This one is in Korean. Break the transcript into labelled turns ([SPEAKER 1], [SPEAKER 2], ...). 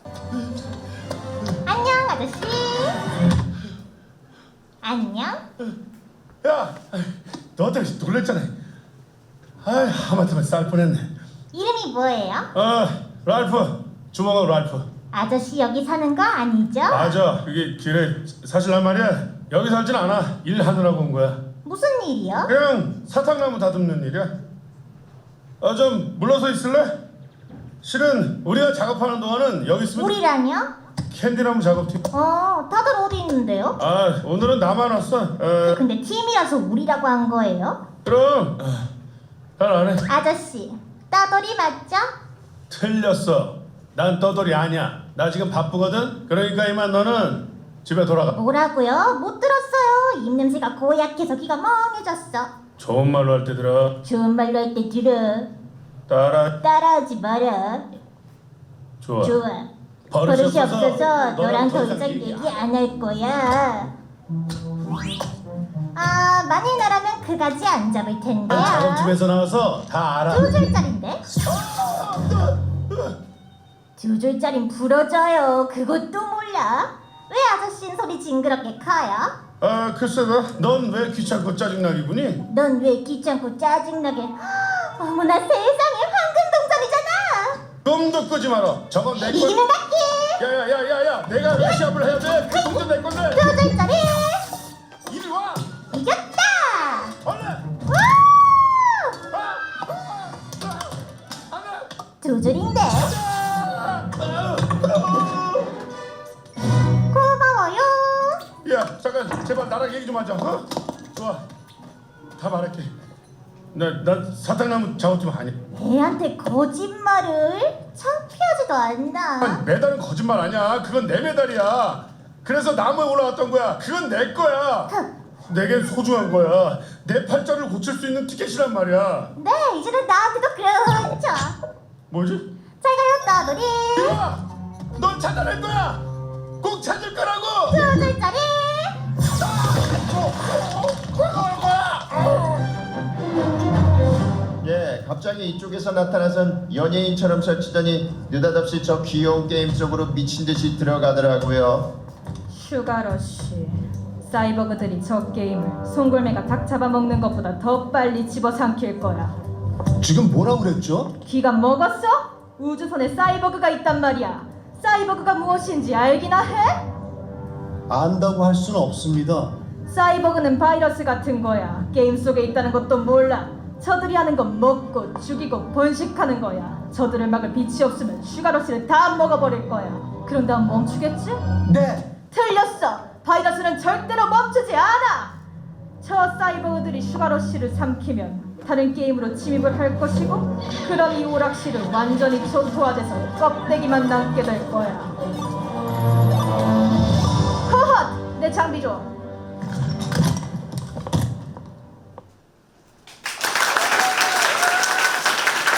[SPEAKER 1] 안녕 아저씨. 안녕.
[SPEAKER 2] 야, 너 때문에 놀랬잖아. 아이, 하마터면 쌀 뻔했네.
[SPEAKER 1] 이름이 뭐예요?
[SPEAKER 2] 랄프. 주먹은 랄프.
[SPEAKER 1] 아저씨 여기 사는 거 아니죠?
[SPEAKER 2] 맞아. 이게 길에 사실 난 말이야. 여기 살진 않아. 일하느라고 온 거야.
[SPEAKER 1] 무슨 일이요?
[SPEAKER 2] 그냥 사탕나무 다듬는 일이야. 좀 물러서 있을래? 실은 우리가 작업하는 동안은 여기 있으면
[SPEAKER 1] 우리라뇨?
[SPEAKER 2] 캔디나무 작업팀.
[SPEAKER 1] 다들 어디 있는데요?
[SPEAKER 2] 오늘은 나만 왔어.
[SPEAKER 1] 근데 팀이라서 우리라고 한 거예요?
[SPEAKER 2] 그럼 잘 안 해.
[SPEAKER 1] 아저씨 따돌이 맞죠?
[SPEAKER 2] 틀렸어. 난 떠돌이 아니야. 나 지금 바쁘거든. 그러니까 이만 너는 집에 돌아가.
[SPEAKER 1] 뭐라고요? 못 들었어요. 입냄새가 고약해서 귀가 멍해졌어.
[SPEAKER 2] 좋은 말로 할 때 들어.
[SPEAKER 1] 좋은 말로 할 때 들어. 따라하지 마라.
[SPEAKER 2] 좋아.
[SPEAKER 1] 버릇이 없어서 너랑 더
[SPEAKER 2] 이상
[SPEAKER 1] 이상 얘기 안 할 거야. 만일 나라면 그가지 안 잡을 텐데요.
[SPEAKER 2] 작업팀에서 나와서 다 알아.
[SPEAKER 1] 2줄짜린데? 2줄짜린 부러져요. 그것도 몰라? 왜 아저씨는 소리 징그럽게 커요?
[SPEAKER 2] 글쎄다. 넌 왜 귀찮고 짜증나 기분이?
[SPEAKER 1] 넌 왜 귀찮고 짜증나게? 어머나 세상에 황금동전이잖아.
[SPEAKER 2] 꿈도 꾸지 마라. 저건 내 건.
[SPEAKER 1] 이기는 갈게.
[SPEAKER 2] 야야야야야. 내가 왜 시합을 해야 돼? 그 동전 내 건데.
[SPEAKER 1] 2줄짜리
[SPEAKER 2] 이리 와.
[SPEAKER 1] 이겼다.
[SPEAKER 2] 얼른.
[SPEAKER 1] 우!
[SPEAKER 2] 안돼.
[SPEAKER 1] 2줄인데. 고마워요.
[SPEAKER 2] 야 잠깐 제발 나랑 얘기 좀 하자. 좋아. 다 말할게. 나 사탕나무 작업팀 아니야.
[SPEAKER 1] 애한테 거짓말을? 창피하지도 않나?
[SPEAKER 2] 메달은 거짓말 아니야. 그건 내 메달이야. 그래서 나무에 올라왔던 거야. 그건 내 거야. 내겐 소중한 거야. 내 팔자를 고칠 수 있는 티켓이란 말이야.
[SPEAKER 1] 네, 이제는 나한테도 그렇죠.
[SPEAKER 2] 뭐지?
[SPEAKER 1] 잘 가요, 따돌이.
[SPEAKER 2] 이리와! 넌 찾아낼 거야. 꼭 찾을 거라고.
[SPEAKER 1] 2줄짜리.
[SPEAKER 3] 예, 갑자기 이쪽에서 나타나선 연예인처럼 설치더니 느닷없이 저 귀여운 게임 속으로 미친 듯이 들어가더라고요.
[SPEAKER 4] 슈가러쉬. 사이버그들이 저 게임을 송골매가 닭 잡아먹는 것보다 더 빨리 집어삼킬 거야.
[SPEAKER 5] 지금 뭐라고 그랬죠?
[SPEAKER 4] 귀가 먹었어? 우주선에 사이버그가 있단 말이야. 사이버그가 무엇인지 알기나 해?
[SPEAKER 5] 안다고 할 수는 없습니다.
[SPEAKER 4] 사이버그는 바이러스 같은 거야. 게임 속에 있다는 것도 몰라. 저들이 하는 건 먹고 죽이고 번식하는 거야. 저들을 막을 빛이 없으면 슈가러쉬를 다 먹어버릴 거야. 그런 다음 멈추겠지?
[SPEAKER 5] 네!
[SPEAKER 4] 틀렸어! 바이러스는 절대로 멈추지 않아! 저 사이버그들이 슈가러쉬를 삼키면 다른 게임으로 침입을 할 것이고, 그럼 이 오락실은 완전히 초토화돼서 껍데기만 남게 될 거야. 허헛! 내 장비 줘!